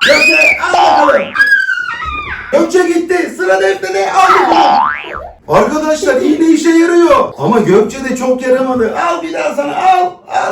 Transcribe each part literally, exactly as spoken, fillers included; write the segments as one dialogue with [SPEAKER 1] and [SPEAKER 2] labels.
[SPEAKER 1] Gökçe al bakalım. Gökçe gitti. Sıra Defne'de. Al bakalım. Arkadaşlar iğne işe yarıyor. Ama Gökçe de çok yaramadı. Al bir daha sana al. Al.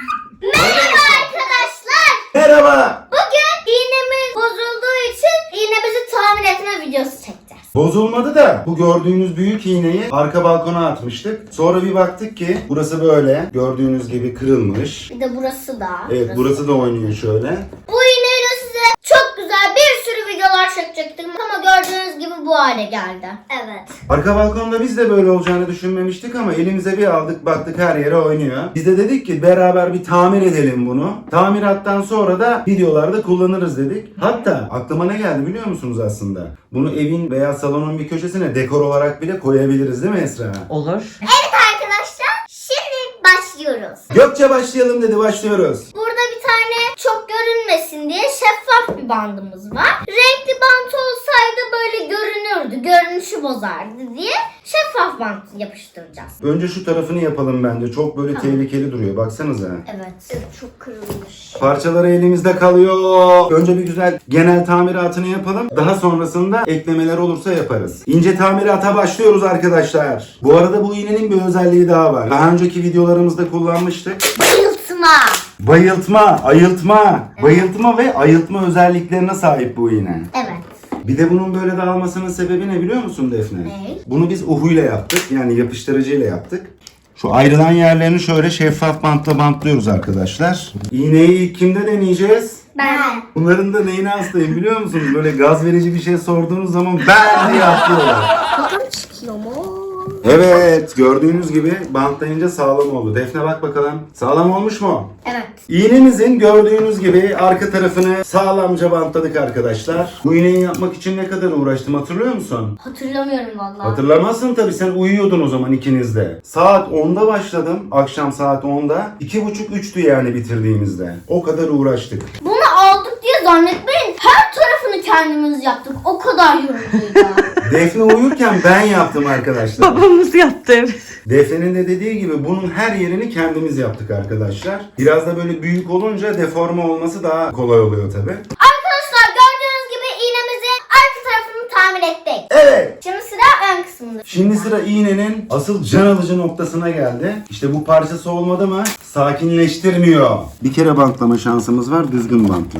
[SPEAKER 2] Merhaba arkadaşlar.
[SPEAKER 1] Merhaba.
[SPEAKER 2] Bugün iğnemiz bozulduğu için iğnemizi tamir etme videosu çekeceğiz.
[SPEAKER 1] Bozulmadı da bu gördüğünüz büyük iğneyi arka balkona atmıştık. Sonra bir baktık ki burası böyle gördüğünüz gibi kırılmış.
[SPEAKER 2] Bir de burası da.
[SPEAKER 1] Evet burası da oynuyor şöyle.
[SPEAKER 2] Bu iğneyle size çok güzel bir sürü videolar çekecektim ama gördüğünüz gibi bu hale geldi. Evet.
[SPEAKER 1] Arka balkonda biz de böyle olacağını düşünmemiştik ama elimize bir aldık baktık her yere oynuyor. Biz de dedik ki beraber bir tamir edelim bunu. Tamirattan sonra da videolarda kullanırız dedik. Hatta aklıma ne geldi biliyor musunuz aslında? Bunu evin veya salonun bir köşesine dekor olarak bile koyabiliriz değil mi Esra?
[SPEAKER 3] Olur.
[SPEAKER 2] Evet arkadaşlar şimdi başlıyoruz.
[SPEAKER 1] Gökçe başlayalım dedi, başlıyoruz.
[SPEAKER 2] Burada bir tane çok görünmesin diye şeffaf bir bandımız var. Renkli bant olsaydı böyle görünürdü, görünüşü bozardı diye şeffaf bant yapıştıracağız.
[SPEAKER 1] Önce şu tarafını yapalım bence. Çok böyle
[SPEAKER 2] Tamam.
[SPEAKER 1] tehlikeli duruyor. Baksanıza.
[SPEAKER 2] Evet. Çok kırılmış.
[SPEAKER 1] Parçaları elimizde kalıyor. Önce bir güzel genel tamiratını yapalım. Daha sonrasında eklemeler olursa yaparız. İnce tamirata başlıyoruz arkadaşlar. Bu arada bu iğnenin bir özelliği daha var. Daha önceki videolarımızda kullanmıştık.
[SPEAKER 2] Bayıltma.
[SPEAKER 1] Bayıltma, ayıltma, bayıltma ve ayıltma özelliklerine sahip bu iğne.
[SPEAKER 2] Evet.
[SPEAKER 1] Bir de bunun böyle dağılmasının sebebi ne biliyor musun Defne?
[SPEAKER 2] Ne?
[SPEAKER 1] Bunu biz uhuyla yaptık. Yani yapıştırıcıyla yaptık. Şu ayrılan yerlerini şöyle şeffaf bantla bantlıyoruz arkadaşlar. İğneyi ilk kimde deneyeceğiz?
[SPEAKER 2] Ben.
[SPEAKER 1] Bunların da neyine hastayım biliyor musunuz? Böyle gaz verici bir şey sorduğunuz zaman ben diye atlıyorlar.
[SPEAKER 2] Bakalım çıkıyor mu?
[SPEAKER 1] Evet, gördüğünüz gibi bantlayınca sağlam oldu. Defne bak bakalım. Sağlam olmuş mu?
[SPEAKER 2] Evet.
[SPEAKER 1] İğnemizin gördüğünüz gibi arka tarafını sağlamca bantladık arkadaşlar. Bu iğneyi yapmak için ne kadar uğraştım hatırlıyor musun?
[SPEAKER 2] Hatırlamıyorum vallahi.
[SPEAKER 1] Hatırlamazsın tabii, sen uyuyordun o zaman ikiniz de. Saat onda başladım. Akşam saat onda. iki buçuk üçtü yani bitirdiğimizde. O kadar uğraştık.
[SPEAKER 2] Bunu aldık diye zannetmeyin. Her tarafını kendimiz yaptık. O kadar yorucuydu.
[SPEAKER 1] Defne uyurken ben yaptım arkadaşlar.
[SPEAKER 3] Babamız yaptı evet.
[SPEAKER 1] Defne'nin de dediği gibi bunun her yerini kendimiz yaptık arkadaşlar. Biraz da böyle büyük olunca deforme olması daha kolay oluyor tabii.
[SPEAKER 2] Arkadaşlar gördüğünüz gibi iğnemizin arka tarafını tamir ettik.
[SPEAKER 1] Evet.
[SPEAKER 2] Şimdi sıra ön kısmında.
[SPEAKER 1] Şimdi sıra iğnenin asıl can alıcı noktasına geldi. İşte bu parçası olmadı mı sakinleştirmiyor. Bir kere bantlama şansımız var, düzgün bantla.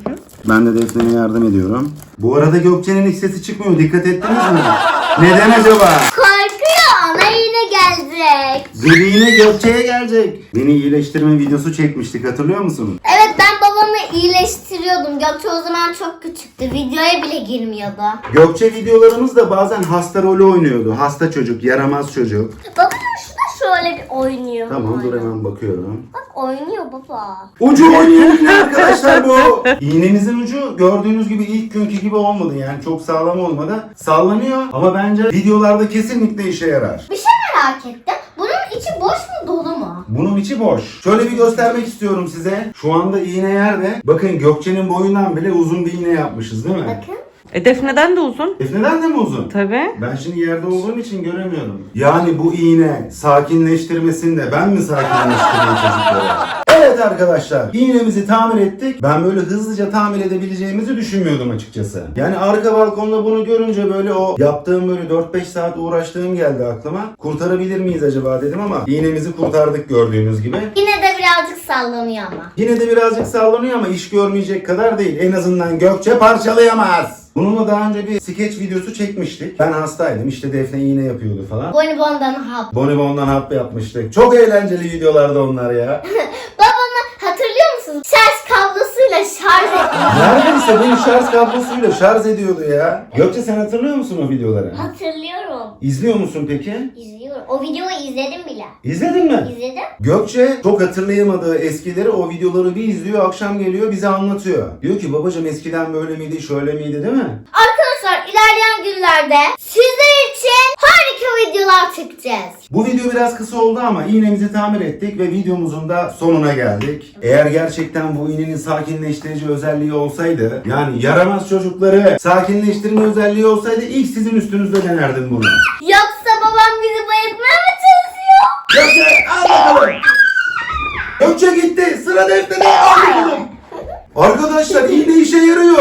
[SPEAKER 1] Ben de Defne'ye yardım ediyorum. Bu arada Gökçe'nin hiç sesi çıkmıyor. Dikkat ettiniz mi? Neden acaba?
[SPEAKER 2] Korkuyor, ana iğne gelecek.
[SPEAKER 1] Zırh iğne Gökçe'ye gelecek. Beni iyileştirme videosu çekmiştik, hatırlıyor musun?
[SPEAKER 2] Evet, ben babamı iyileştiriyordum. Gökçe o zaman çok küçüktü. Videoya bile girmiyordu.
[SPEAKER 1] Gökçe videolarımızda bazen hasta rolü oynuyordu. Hasta çocuk, yaramaz çocuk.
[SPEAKER 2] Baba şu da şöyle bir oynuyor.
[SPEAKER 1] Tamam dur hemen bakıyorum.
[SPEAKER 2] Bak oynuyor baba.
[SPEAKER 1] Ucu oynuyor yine arkadaşlar bu. İğnemizin ucu gördüğünüz gibi ilk günkü gibi olmadı, yani çok sağlam olmadı. Sallanıyor ama bence videolarda kesinlikle işe yarar.
[SPEAKER 2] Bir şey merak ettim. Bunun içi boş mu dolu mu?
[SPEAKER 1] Bunun içi boş. Şöyle bir göstermek istiyorum size. Şu anda iğne yerde. Bakın Gökçe'nin boyundan bile uzun bir iğne yapmışız değil mi?
[SPEAKER 2] Bakın.
[SPEAKER 3] E Defne'den de uzun.
[SPEAKER 1] Defne'den de mi uzun?
[SPEAKER 3] Tabii.
[SPEAKER 1] Ben şimdi yerde olduğum için göremiyorum. Yani bu iğne sakinleştirmesinde ben mi sakinleştireyim çocukları? Evet arkadaşlar, iğnemizi tamir ettik. Ben böyle hızlıca tamir edebileceğimizi düşünmüyordum açıkçası. Yani arka balkonda bunu görünce böyle o yaptığım böyle dört beş saat uğraştığım geldi aklıma. Kurtarabilir miyiz acaba dedim ama iğnemizi kurtardık gördüğünüz gibi.
[SPEAKER 2] Yine de birazcık sallanıyor ama.
[SPEAKER 1] Yine de birazcık sallanıyor ama iş görmeyecek kadar değil. En azından Gökçe parçalayamaz. Bununla daha önce bir skeç videosu çekmiştik. Ben hastaydım, işte Defne iğne yapıyordu falan.
[SPEAKER 2] Bonibon'dan hap.
[SPEAKER 1] Bonibon'dan hap yapmıştık. Çok eğlenceli videolardı onlar ya.
[SPEAKER 2] Babamı hatırlıyor musunuz? Şarj kablosuyla şarj ediyor.
[SPEAKER 1] Neredeyse beni şarj kablosuyla şarj ediyordu ya. Gökçe sen hatırlıyor musun o videoları?
[SPEAKER 2] Hatırlıyorum.
[SPEAKER 1] İzliyor musun peki?
[SPEAKER 2] İzliyorum. O videoyu izledim bile.
[SPEAKER 1] İzledin mi?
[SPEAKER 2] İzledim.
[SPEAKER 1] Gökçe çok hatırlayamadığı eskileri, o videoları bir izliyor, akşam geliyor bize anlatıyor. Diyor ki babacığım eskiden böyle miydi, şöyle miydi değil mi?
[SPEAKER 2] Arkadaşlar ilerleyen günlerde sizler için harika videolar çekeceğiz.
[SPEAKER 1] Bu video biraz kısa oldu ama iğnemizi tamir ettik ve videomuzun da sonuna geldik. Eğer gerçekten bu iğnenin sakinleştirici özelliği olsaydı, yani yaramaz çocukları sakinleştirme özelliği olsaydı ilk sizin üstünüzde denerdim bunu.
[SPEAKER 2] Yoksa babam bizi bayıltmaya mı çalışıyor?
[SPEAKER 1] Gökçe al bakalım. Gökçe gitti. Sıra Defne'de, al bakalım. Arkadaşlar iğne işe yarıyor.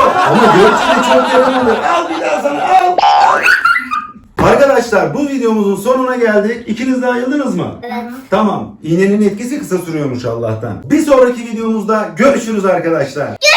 [SPEAKER 1] Gökçe de çok yaramadı. Al bir daha sana al. Arkadaşlar bu videomuzun sonuna geldik. İkiniz de ayıldınız mı?
[SPEAKER 2] Evet.
[SPEAKER 1] Tamam. İğnenin etkisi kısa sürüyormuş Allah'tan. Bir sonraki videomuzda görüşürüz arkadaşlar.